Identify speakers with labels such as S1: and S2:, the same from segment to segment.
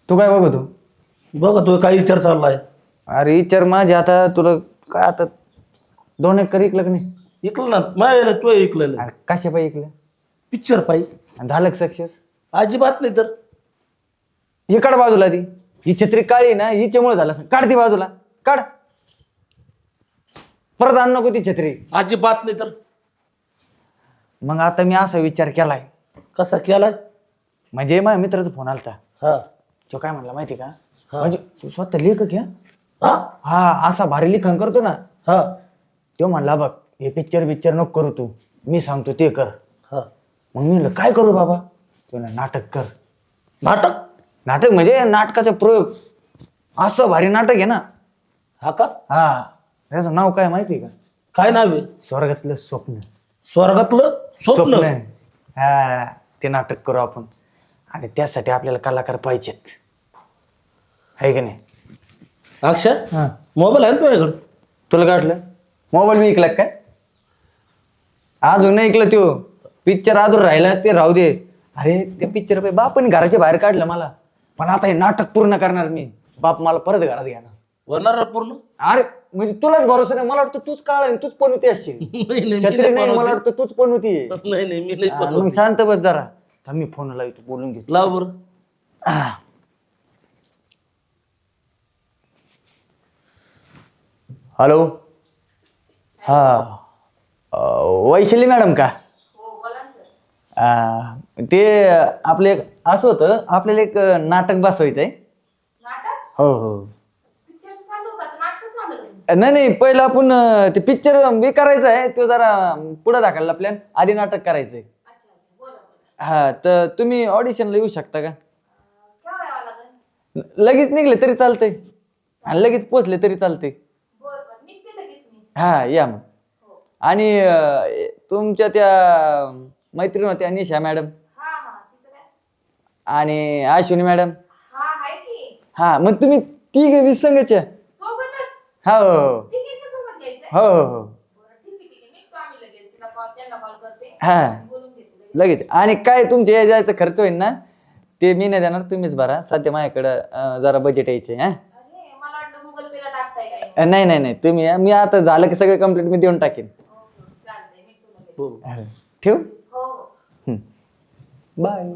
S1: तू काय बघतो?
S2: बघा तो काय विचार चाललाय.
S1: अरे विचार माझे आता तुला काय आता 2 एकर इकलं का नाही?
S2: ऐकलं ना माझ्या तू ऐकलं
S1: अरे कशा पाहिजे इकलं?
S2: पिक्चर पाहिजे.
S1: आणि झालं सक्सेस?
S2: अजिबात नाही तर
S1: ही काढ बाजूला ती. ही छत्री काळी ना हिच्यामुळे झालं असं. काढ ती बाजूला काढ. परत आण नको ती छत्री.
S2: अजिबात नाही तर
S1: मग आता मी असा विचार केलाय.
S2: कसा केलाय?
S1: म्हणजे माझ्या मित्राचा फोन आलता.
S2: हा
S1: तो काय म्हणला माहिती का?
S2: हा.
S1: म्हणजे तू स्वतः लेखक घ्या.
S2: हा
S1: हा असा भारी लिखाण करतो ना.
S2: हा
S1: तो म्हणला बघ हे पिक्चर नको करू तू, मी सांगतो ते कर.
S2: हा
S1: मग मी म्हणलं काय करू बाबा? तो नाटक कर.
S2: नाटक?
S1: नाटक म्हणजे नाटकाचा प्रयोग. असं भारी नाटक आहे ना.
S2: हा का?
S1: हा त्याचं नाव काय माहिती का?
S2: काय नाव आहे?
S1: स्वर्गातलं स्वप्न.
S2: स्वर्गातलं स्वप्न.
S1: हा ते नाटक करू आपण. आणि त्यासाठी आपल्याला कलाकार पाहिजेत, आहे की नाही?
S2: अक्षय
S1: हा
S2: मोबाईल आहे ना तुझ्याकडे?
S1: तुला काय वाटलं मोबाईल मी ऐकला काय? अजून नाही ऐकलं. तो पिक्चर अजून राहिला ते राहू दे. अरे ते पिक्चर बापाने घराच्या बाहेर काढलं मला. पण आता हे नाटक पूर्ण करणार मी. बाप मला परत घरात घेणार.
S2: होणार पूर्ण?
S1: अरे म्हणजे तुलाच भरोसा नाही. मला वाटतं तूच काळ तूच पण होती असशील.
S2: नाही नाही, मी
S1: छत्री
S2: नाही
S1: नाही मला
S2: बनवते.
S1: वाटतं तूच पण होती.
S2: नाही नाही मी नाही
S1: मग
S2: बनवते.
S1: शांत बस जरा. थांब मी फोन लावतो बोलून घेतो.
S2: लाव बरं.
S1: हॅलो. हा वैशाली मॅडम का? ते आपले असं होतं आपल्याला एक नाटक बसवायचं आहे. हो हो. नाही नाही पहिलं आपण ते पिक्चर हे करायचं आहे. तो जरा पुढे दाखवला प्लॅन. आधी नाटक करायचंय. हा तर तुम्ही ऑडिशनला येऊ शकता का? लगेच निघले तरी चालतंय आणि लगेच पोचले तरी चालते. हा या मग. आणि तुमच्या त्या मैत्रीण होत्या निशा मॅडम आणि अश्विनी मॅडम. हा मग तुम्ही तिघे 20 संघाच्या. हो हो हो. हा लगेच. आणि काय तुमचे या जायचा खर्च होईल ना ते मी नाही देणार, तुम्हीच भरा. सध्या माझ्याकडं जरा बजेट यायचे. हा नाही नाही नाही तुम्ही या. मी आता झालं की सगळे कंप्लीट मी देऊन टाकेन. ठेव. बाय.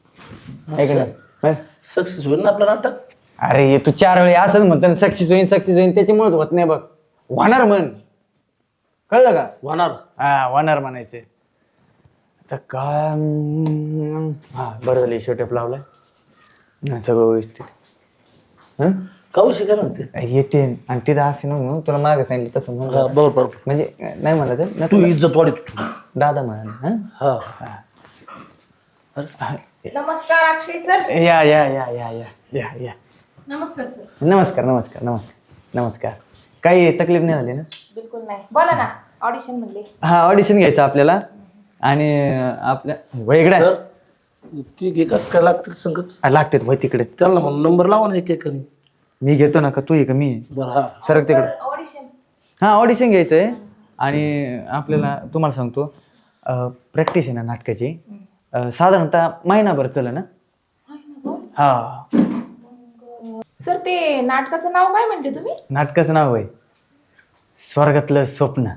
S2: सक्सेस होईल ना आपलं नाटक?
S1: अरे तू 4 वेळी असंच म्हणतो सक्सेस होईन त्याच्यामुळेच होत नाही बघ. होणार म्हण, कळलं का?
S2: होणार.
S1: हा होणार म्हणायचं. आता काय हा बरं झालं शेवटेप लावलाय सगळं व्यवस्थित.
S2: काऊ शिकायला म्हणते
S1: येते आणि तिथं अक्षर म्हणून तुला मागे सांगितलं तसं म्हणून.
S2: बरोबर बरोबर.
S1: म्हणजे नाही म्हणलं तर
S2: तू इज्जत वाढीत.
S1: दादा म्हणा.
S2: हा
S3: नमस्कार अक्षय सर.
S1: या या या या या या या.
S3: नमस्कार सर.
S1: नमस्कार नमस्कार नमस्कार नमस्कार. काही तकलीफ नाही झाली ना?
S3: बिलकुल नाही. बोला ना. ऑडिशन म्हणले.
S1: हा ऑडिशन घ्यायचं आपल्याला. आणि आपल्या वेगळ्या
S2: सर ती एकाच काय लागतील संगच
S1: लागते वय तिकडे.
S2: त्यांना म्हणून नंबर लावा ना एक एकाने.
S1: मी घेतो ना का तू आहे का मी?
S2: बरं हा
S1: सरक तिकडे.
S3: ऑडिशन.
S1: हा ऑडिशन घ्यायचंय. आणि आपल्याला तुम्हाला सांगतो प्रॅक्टिस आहे ना नाटकाची साधारणतः महिनाभर चल ना. हा
S3: सर ते नाटकाचं नाव काय म्हणले तुम्ही?
S1: नाटकाचं नाव आहे स्वर्गातलं स्वप्न.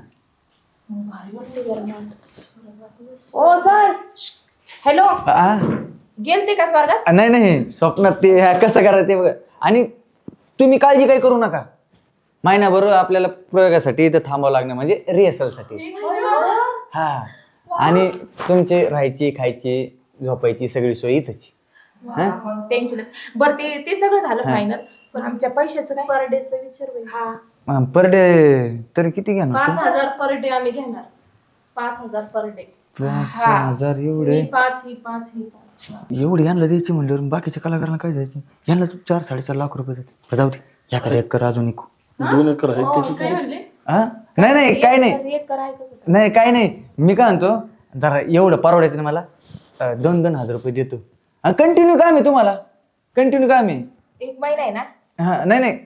S3: Oh sir hello.
S1: आ?
S3: गेलते का स्वर्गात?
S1: नाही नाही स्वप्नात ते कसं करायचं ते बघा. आणि तुम्ही काळजी काही करू नका. महिनाभर आपल्याला प्रयोगासाठी इथं थांबावं लागणार म्हणजे रिहर्सलसाठी. हा आणि तुमचे राहायची खायची झोपायची सगळी सोय इथंच.
S3: टेन्शन. बरं ते सगळं झालं फायनल. पण आमच्या पैशाचं काय? पर डेचा विचार होईल. हा
S1: पर डे तरी किती घेणार?
S4: 5,000 पर डे आम्ही घेणार. 5,000 पर डे.
S1: 5,000 एवढे?
S4: 5 ही 5 ही 5.
S1: एवढी यांना द्यायची म्हणल्यावर बाकीच्या कलाकारांना काय द्यायचे? यांना 4-4.5 लाख रुपये देते. जाऊ दे एखादा एक कर अजून एक.
S2: 2 एकर आहे त्याची
S4: काय म्हणले?
S1: हा नाही नाही काय नाही
S3: एक करायचं.
S1: नाही काय नाही. मी काय म्हणतो जरा एवढं परवडायचं नाही मला. 2-2 हजार रुपये देतो. कंटिन्यू काम आहे तुम्हाला. कंटिन्यू काम आहे.
S3: 1 महिना आहे ना?
S1: हा नाही नाही.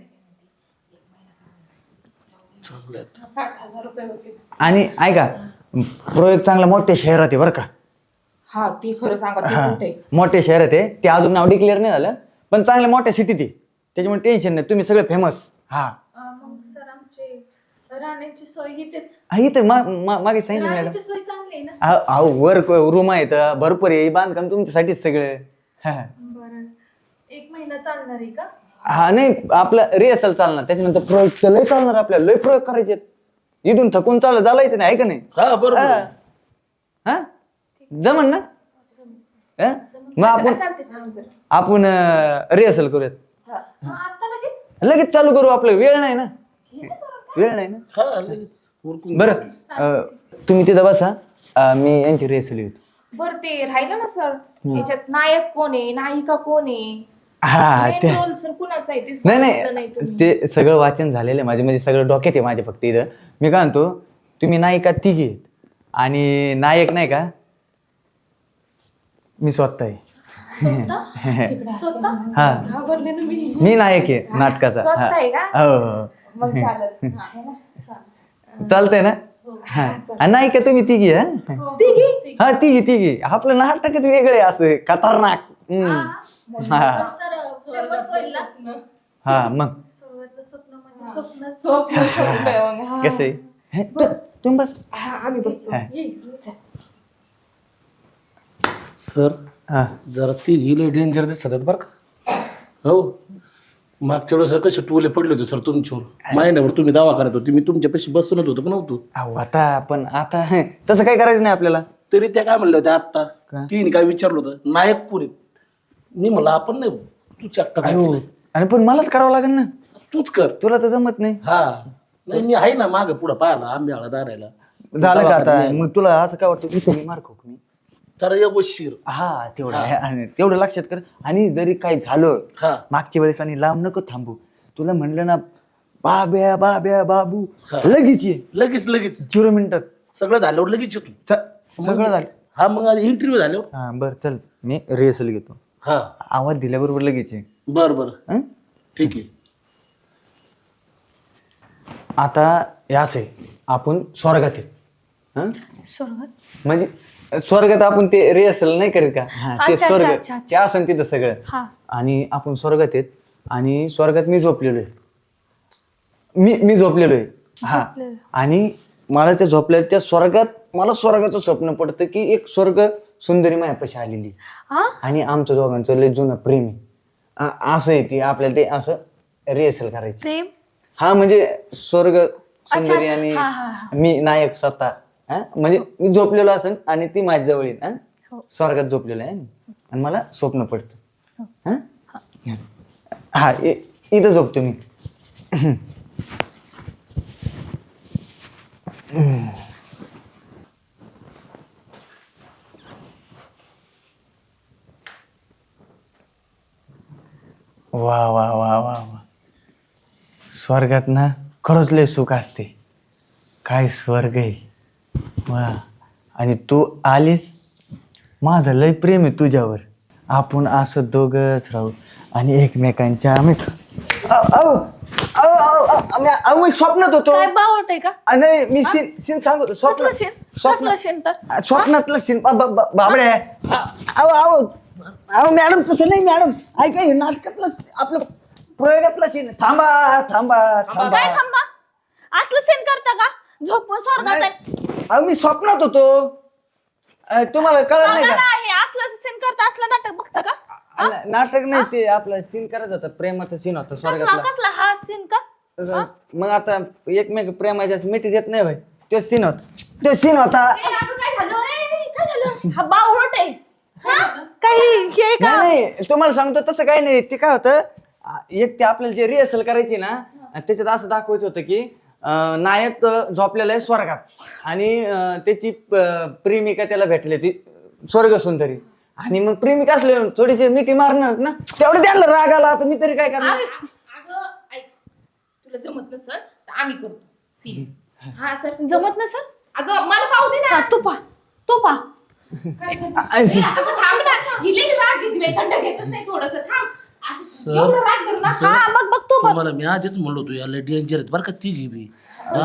S4: 60,000 रुपये होते.
S1: आणि ऐका प्रयोग चांगला मोठ्या शहरात आहे बरं का.
S3: हा ती खरं सांगा. ते
S1: हा
S3: कुठे?
S1: मोठ्या शहरात आहे. ते अजून नाव डिक्लेअर नाही झालं पण चांगल्या मोठ्या सिटीत आहे, त्याच्यामुळे टेन्शन नाही, तुम्ही सगळे फेमस. हा
S3: मग सर आमचे राहण्याची सोय इथेच.
S1: इथं मागे सांगितलं मॅडम.
S3: राहण्याची सोय चांगली आहे ना?
S1: अहो वर रूम आहेत भरपूर आहे, बांधकाम तुमच्यासाठीच सगळं.
S3: बरं, 1 महिना चालणार आहे का?
S1: हा नाही, आपलं रिहर्सल चालणार, त्याच्यानंतर प्रयोग तर लय चालणार, आपल्याला लय प्रयोग करायचे. इथून थकून चालायचं नाही, आहे का नाही?
S2: हा बरोबर.
S1: हा जमन ना? हा? मग आपण
S3: चालते सर.
S1: आपण रिहर्सल करूयात,
S3: आता लगेच
S1: लगेच चालू करू. आपलं वेळ नाही ना, वेळ नाही ना.
S2: हा लगेच उरकून
S1: बरं तुम्ही तिथं बसा, मी यांची रिहर्सल येतो.
S3: बरं ते राहिलं ना सर, याच्यात नायक कोण आहे, नायिका कोण आहे,
S1: हा ते
S3: रोल सर कुणाचा आहे ते
S1: नाही
S3: सांगितलं
S1: नाही
S3: तुम्ही.
S1: ते सगळं वाचन झालेलं आहे माझे, म्हणजे सगळं डोक्यात आहे माझ्या. फक्त इथं मी काय म्हणतो, तुम्ही नायिका तिघी आहेत आणि नायक नाही का, मी स्वतः आहे.
S3: स्वतः
S1: हा
S3: घाबरले ना
S1: मी नायक आहे नाटकाचा.
S3: स्वतः आहे का?
S1: हा. हो
S3: मग चालेल. है ना?
S1: हो चालतंय ना. हा आणि नायिका तुम्ही तिघी आहे.
S3: तिघी?
S1: हा तिघी आपलं नाटकच वेगळं आहे, असं खतरनाक. हा
S3: सर्वच होईल ना?
S1: हा मग
S3: सुरुवातीला स्वप्न म्हणजे स्वप्न.
S1: कसं आहे, तुम्ही बस.
S3: आम्ही बसतो.
S1: हा.
S3: चल.
S2: सर
S1: हा
S2: जरा ती गेले डेंजर दिसत आहेत बरं का. हो मागच्या वेळेस कसे टोले पडले होते सर तुमच्यावर, महिन्यावर तुम्ही दवाखान्यात होते, मी तुमच्यापाशी बसूनच होतो का नव्हतो.
S1: अहो आता पण आता तसं काही करायचं नाही आपल्याला.
S2: तरी त्या काय म्हणल्या होत्या आत्ता,
S1: काय?
S2: तिने काय विचारलं होतं, नायक पुरीत. मी म्हणलं आपण नाही, तूच एकटा काय केलंय?
S1: आणि पण मलाच करावं लागेल ना,
S2: तूच कर.
S1: तुला तर जमत नाही.
S2: हा नाही मी आहे ना मागं पुढं पाहायला आंब्याला दारायला.
S1: झालं का आता, मग तुला असं काय वाटतं इथे मी मार खाऊ का मी?
S2: तर एक शिर.
S1: हा तेवढं आहे. आणि तेवढं लक्षात कर. आणि जरी काही झालं
S2: हा
S1: मागच्या वेळेस आणि लांब नको थांबू, तुला म्हणलं ना बाब्या बाब्या बाबू,
S2: हा.
S1: लगेच ये,
S2: लगेच
S1: 0 मिनिटात
S2: सगळं झाल्यावर लगेच येतो.
S1: सगळं झालं.
S2: हा मग इंटरव्ह्यू झाल्यावर.
S1: हा बरं चल, मी रिहर्सल घेतो.
S2: हा
S1: आवाज दिल्याबरोबर लगेच ये.
S2: बरं
S1: हं?
S2: ठीक आहे.
S1: आता हे असं आहे, आपण स्वर्गात आहेत. हं?
S3: स्वर्गात
S1: म्हणजे स्वर्गात आपण ते रिहर्सल नाही करीत का, हा, ते
S3: अच्छा,
S1: स्वर्ग
S3: अच्छा.
S1: ते असं तिथं सगळं.
S3: हा.
S1: आणि आपण स्वर्गात आहेत आणि स्वर्गात मी झोपलेलो आहे. मी झोपलेलो आहे. हा आणि मला त्या झोपलेल्या त्या स्वर्गात मला स्वर्गाचं स्वप्न पडतं की एक स्वर्ग सुंदरी मायापाशी आलेली आणि आमचं दोघांचं लय जुनं प्रेम आहे. असं आहे ती, आपल्याला ते असं रिहर्सल करायची.
S3: प्रेम.
S1: हा म्हणजे स्वर्ग सुंदरी आणि मी नायक स्वतः. हा म्हणजे मी झोपलेलो असेल आणि ती माझ्या जवळ येईल. स्वर्गात झोपलेलो आहे आणि मला स्वप्न पडतं. हा इथं झोपतो मी. वा वा वा वा वा, स्वर्गात ना खरंच लय सुख असते. काय स्वर्ग आहे वा. आणि तू आलीस, माझं लय प्रेम आहे तुझ्यावर. आपण असं दोघंच राहू आणि एकमेकांच्या मी स्वप्नात होतो.
S3: काय बावट आहे का?
S1: नाही मी सीन सांगतो.
S3: कसलं सीन? कसलं सीन तर?
S1: स्वप्नातलं सीन बाबडे. अहो मॅडम तसं नाही मॅडम, ऐका हे नाटकातलं आपलं प्रयोगातलं सीन. थांबा थांबा थांबा.
S3: काय थांबा? असलं सीन करता का? झोपून स्वर्गात आहे.
S1: अहो मी स्वप्नात होतो, तुम्हाला कळत नाही का?
S3: आहे असलं सीन करता, असलं नाटक बघता का?
S1: नाटक नाही, ते आपलं सीन करायचं होतं, प्रेमाचा सीन होता
S3: कसला
S1: स्वर्गातला.
S3: कसला हा सीन का?
S1: मग आता एकमेक प्रेमाच्या मिठी देत नाही भाई, तो सीन होता. तो सीन होता.
S3: काय झालं? काय झालं? हा बावट आहे. काही हे का?
S1: नाही तुम्हाला सांगतो तसं काही नाही. ते काय होतं, एक ते आपल्याला जे रिहर्सल करायची ना, त्याच्यात असं दाखवायचं होतं की नायक झोपलेला आहे स्वर्गात आणि त्याची प्रेमिका त्याला भेटली, ती स्वर्ग सुंदरी. आणि मग प्रेमिका असले थोडीशी मिठी मारणार ना, तेवढं त्याला राग आला, तर मी तरी काय करणार.
S3: अगं ऐक, तुला जमत नसल तर आम्ही करतो सीन. हा सर जमत नसल, अगं मला पाहू दे ना. तू पा अगं थांब ना, हिले राग घेतले, थंड घेतच नाही थोडंसं थांब. असं एवढं राग धर ना. हा मग बघ तू
S2: तुम्हाला मी आधीच म्हणलो होतो याला डेंजर आहेत बरं का ती बी.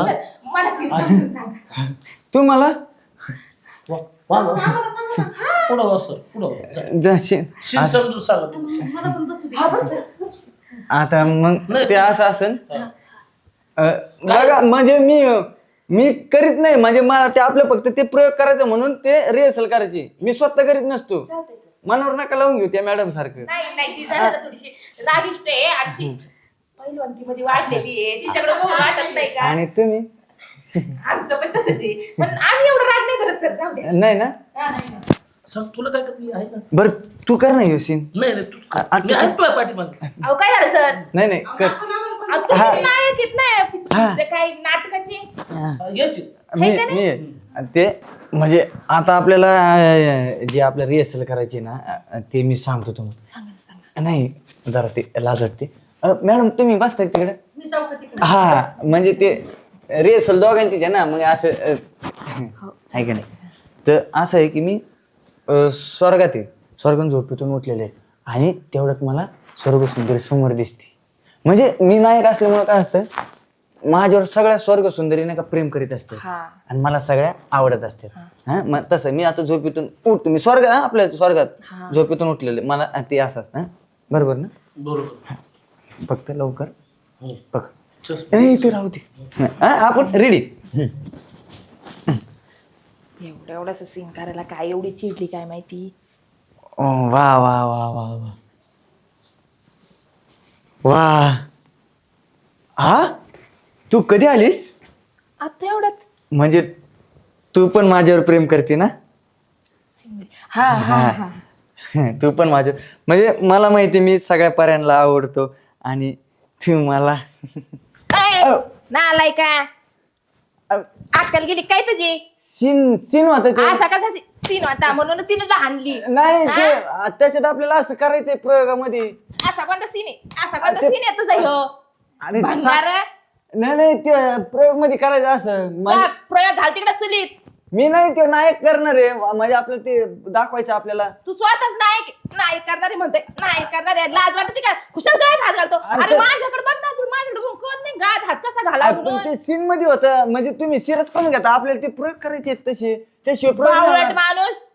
S3: मला सीन समजून सांग.
S1: तू मला
S3: आम्हाला सांग ना.
S2: पुढं हो सर पुढं हो. चला.
S1: जशी
S2: शीन समजून सांगा तुम्ही
S4: मला पण बसू दे.
S3: हा, बस, बस.
S1: आता मग
S2: नाही.
S1: ते असं असेल बघा म्हणजे मी करीत नाही म्हणजे मला ते आपलं फक्त ते प्रयोग करायचं म्हणून ते रिहर्सल करायची मी स्वतः करीत नसतो
S3: चालतंय सर.
S1: मनावर नका लावून घेऊ त्या मॅडम सारखं
S3: नाही नाही ती जरा थोडीशी रागिष्ट आहे आणि ती पहिलवानकी मध्ये वाढलेली आहे तिच्याकडे बघून वाटत नाही का
S1: आणि तुम्ही
S3: आमचं पण तसंच आहे पण आम्ही एवढं राग नाही करत सर जाऊ दे
S1: नाही ना
S3: हा, नाही.
S2: सांग तुला काय करते आहे ना
S1: बरं तू कर ना सीन
S2: नाही नाही तू
S1: आता-
S2: मी ऐकतोय पाठीमागे
S3: अहो काय झालं सर
S1: नाही नाही कर
S3: अहो, तुम्ही नायक येत नाही ते काही नाटकाचे
S2: यायची
S1: मी ते म्हणजे आता आपल्याला जे आपलं रिहर्सल करायची ना ते मी सांगतो तुम्हाला नाही जरा ते लाज वाटते मॅडम तुम्ही बसताय तिकडे
S4: मी जाऊ का तिकडे?
S1: हा म्हणजे ते रिहर्सल दोघांचीच आहे ना मग असं आहे का नाही तर असं आहे की मी स्वर्गात आहे स्वर्गात झोपेतून उठलेले आहे आणि तेवढ्यात मला स्वर्ग सुंदरी समोर दिसते म्हणजे मी नायक असल्यामुळे काय असतं माझ्यावर सगळ्या स्वर्ग सुंदरी नाही का प्रेम करीत असते आणि मला सगळ्या आवडत असते हा मग तसं मी आता झोपेतून उठतो मी स्वर्ग आपल्या स्वर्गात झोपेतून उठलेले मला ते असं असतं बरोबर ना
S2: बरोबर
S1: फक्त लवकर
S2: हो.
S1: बघ
S2: Just
S1: ते राहू दे आपण रेडी
S3: एवढं एवढंच सीन करायला काय एवढी चिडली काय माहिती
S1: वा वा वा वा वा वा हा तू कधी आलीस
S3: आता एवढ्यात
S1: म्हणजे तू पण माझ्यावर प्रेम करते ना
S3: हा हा हा
S1: तू पण माझ्या म्हणजे मला माहिती मी सगळ्या पर्यांना आवडतो आणि तू मला
S3: नालाय का अक्कल गेली काय तुझी
S1: सीन होत ते
S3: असा कसा सीन होता म्हणून तिने तुला हाणली
S1: नाही ते त्याच्यात आपल्याला असं करायचंय प्रयोगामध्ये
S3: असा कोणता सीन आहे असा कोणता सीन आहे तुझा ह्यो
S1: आणि
S3: भंगार
S1: नाही ते प्रयोग मध्ये करायचं असं
S3: प्रयोग घाल तिकडे चुलीत
S1: मी नाही ते नायक करणार आहे म्हणजे आपलं ते दाखवायचं आपल्याला
S3: तू स्वतःच नायक नायक करणारे म्हणते नायक करणारे लाज वाटते का खुशाल गायत हात घालतो अरे माझ्याकडे बघ ना तू माझ्याकडे बघून कळत नाही गायत हात कसा घाला
S1: पण
S3: म्हणून
S1: ते सीन मध्ये होतं म्हणजे तुम्ही सिरियस कमी घेता आपल्याला ते प्रयोग करायचे आहेत तसे त्याशिवाय प्रयोग नाही
S3: बावळट
S1: होणार.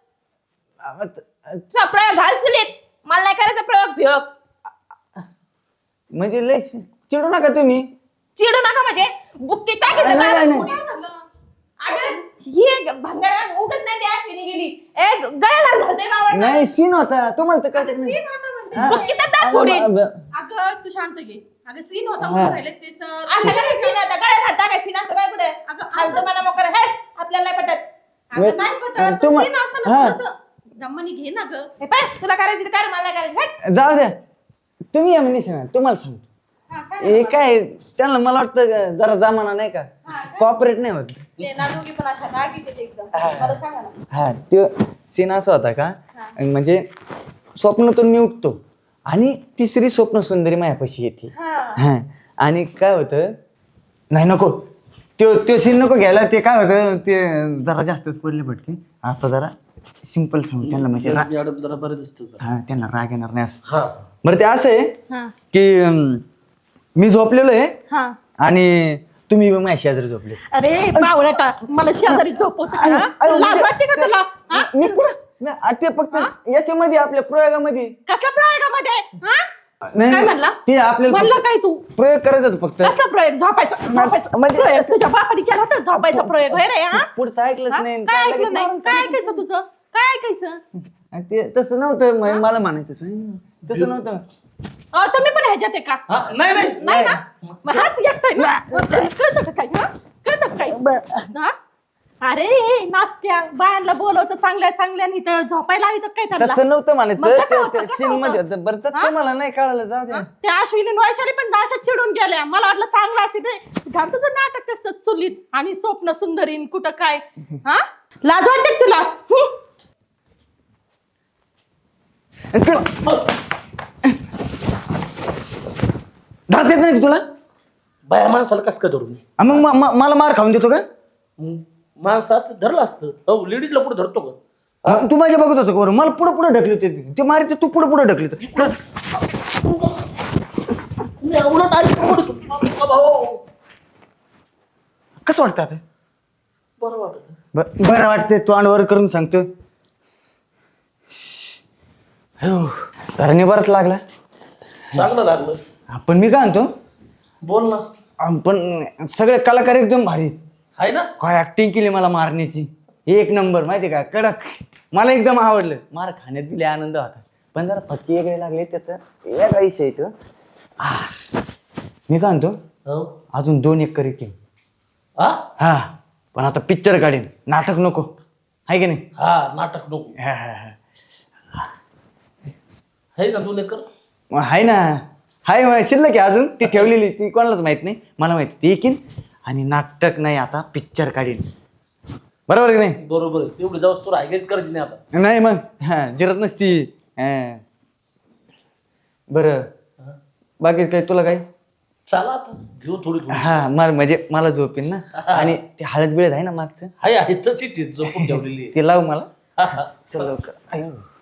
S3: माणूस चल, प्रयोग घाल चुलीत मला नाही करायचा प्रयोग भियोग
S1: म्हणजे लय चिडू नका तुम्ही
S3: चिडू नका म्हणजे बुक्की टाकायचं
S1: नाही,
S3: का?
S1: नाही.
S3: काय झालं? अगं, ही भंगार उगच नाही त्या अश्विनी गेली गळ्याला घालते बावळट
S1: नाही सीन होता तुम्हाला तर कळत नाही हा.
S3: बुक्की तर दाखवली
S4: अगं तू शांत घे अगं सीन होता म्हणून राहिले ते सर
S3: असं काय सीन आता गळ्यात हात टाकाय सीन असं काय पुढे
S4: अगं,
S3: हलतं मला मोकर हे आपल्याला नाही पटत
S4: अगं नाही पटत
S1: तुम्हा-
S4: सीन असं
S1: हा.
S4: ना थोडंसं दमानी घे ना ग
S3: हे पाय तुला करायची तर कर मला नाही करायची हट.
S1: जाऊ द्या तुम्ही या म्हणजे सांगा तुम्हाला सांगतो
S4: हा, सांग
S1: हे काय त्यांना मला वाटतं जरा जमाना नाही का कॉपरेट नाही होत
S4: ते ना दोघी पण अशा रागीचे ते एकदम मला सांगा ना
S1: हा तो सीन असा होता का म्हणजे स्वप्नातून मी उठतो आणि तिसरी स्वप्न सुंदरी मायापाशी येते हा आणि काय होतं नाही नको तो सीन नको घ्यायला ते काय होतं ते जरा जास्तच पडले भटके आता जरा सिंपल सांगू त्यांना म्हणजे
S2: मॅडम जरा बरं दिसतं का?
S1: हा त्यांना राग येणार नाही असं
S2: हा
S1: बरं ते असं आहे की मी झोपलेलो आहे आणि तुम्ही माझ्या शेजारी झोपले
S4: अरे बावळटा मला शेजारी झोपवत लाज वाटते का तुला हा?
S1: मी कुठं ते फक्त याच्यामध्ये आपल्या प्रयोगामध्ये
S4: कसल्या प्रयोगामध्ये हा?
S1: नाही,
S4: काय म्हणला?
S1: ते आपल्याला
S4: म्हणला
S1: फक्त
S4: काय तू
S1: प्रयोग करायचा होता फक्त
S4: कसला प्रयोग झोपायचा
S1: म्हणजे-
S4: प्रयोग तुझ्या बापाने केला होता झोपायचा प्रयोग होय रे हा
S1: पुढचं ऐकलंच
S4: हा?
S1: नाही
S4: काय
S1: लगेच
S4: ऐकलं नाही
S1: मारून
S4: काय ऐकायचं तुझं काय ऐकायचं
S1: आणि ते तसं नव्हतं मला म्हणायचं तसं नव्हतं
S4: तुम्ही पण ह्याच्यात आहे का
S2: हा, नाही नाही
S4: नाही ना मग हाच एकटाय ना कळतं का काय हा कळतं का काय हा? अरे नास्त्या बायांना बोलवतं चांगल्या चांगल्या आणि इथं झोपायला इथं काय
S1: तसं
S4: त्यांना
S1: नव्हतं
S4: मग कसं
S1: म्हणायचं
S4: होतं? कसं
S1: सीन मध्ये
S4: होतं?
S1: होतं बरं तर
S4: हा?
S1: तुम्हाला नाही कळालं जाऊ द्या
S4: त्या अश्विनी वैशाली पण अशा चिडून गेल्या मला वाटलं चांगलं अशी नाही घाल तुझं नाटक तसं चुलीत आणि स्वप्न सुंदरीन कुठं काय हा लाज वाटते का तुला
S1: धाक येत नाही का तुला
S2: बाया माणसाला कसं काय धरून
S1: मग मला मार खाऊन देतो का
S2: माणसं असतं धरलं असतं हो लेडीजला पुढे धरतो का
S1: मग तू माझ्या बघत होतो का बरं? मला पुढे पुढे ढकली ते मारायचे तू पुढे पुढे ढकली
S2: मी उलट आई
S1: कसं वाटतं आता
S2: बरं वाटत
S1: बरं वाटतंय तू अंडवर करून सांगतो घराने बरंच लागला.
S2: चांगलं लागलं.
S1: पण मी काय म्हणतो,
S2: बोल ना.
S1: पण सगळे कलाकार एकदम भारी.
S2: आहे ना.
S1: काय ऍक्टिंग केली मला मारण्याची, एक नंबर माहिती का, कडक. मला एकदम आवडलं. मार खाण्यात बी लय आनंद होता, पण जरा फटके वेगळे लागले त्याचं एक आयुष्य येतं. मी काय म्हणतो,
S2: हो.
S1: अजून 2 एकर येतील.
S2: हा
S1: हा, पण आता पिक्चर काढेन, नाटक नको, आहे की नाही?
S2: हा नाटक नको.
S1: हा, हा, हा.
S2: आहे ना 2 एकर.
S1: मग आहे ना, हाय शिल्लक आहे अजून, ती ठेवलेली, ती कोणालाच माहित नाही, मला माहिती ती येईन. आणि नाटक नाही, आता पिक्चर काढीन. बरोबर की नाही?
S2: बरोबर आहे. तेवढं जाऊस तुला हायगेच करायची नाही आता.
S1: नाही मग हा जिरत नसती. हा. बरं, बाकी काय तुला काय?
S2: चला आता घेऊ थोडी थोडी.
S1: हा म्हणजे मला झोपेन ना. आणि ते हळद बिळद आहे ना मागचं,
S2: आहे तशीच झोपून ठेवलेली आहे.
S1: ते लाव मला.
S2: हा, हा.
S1: चल लवकर. अयो.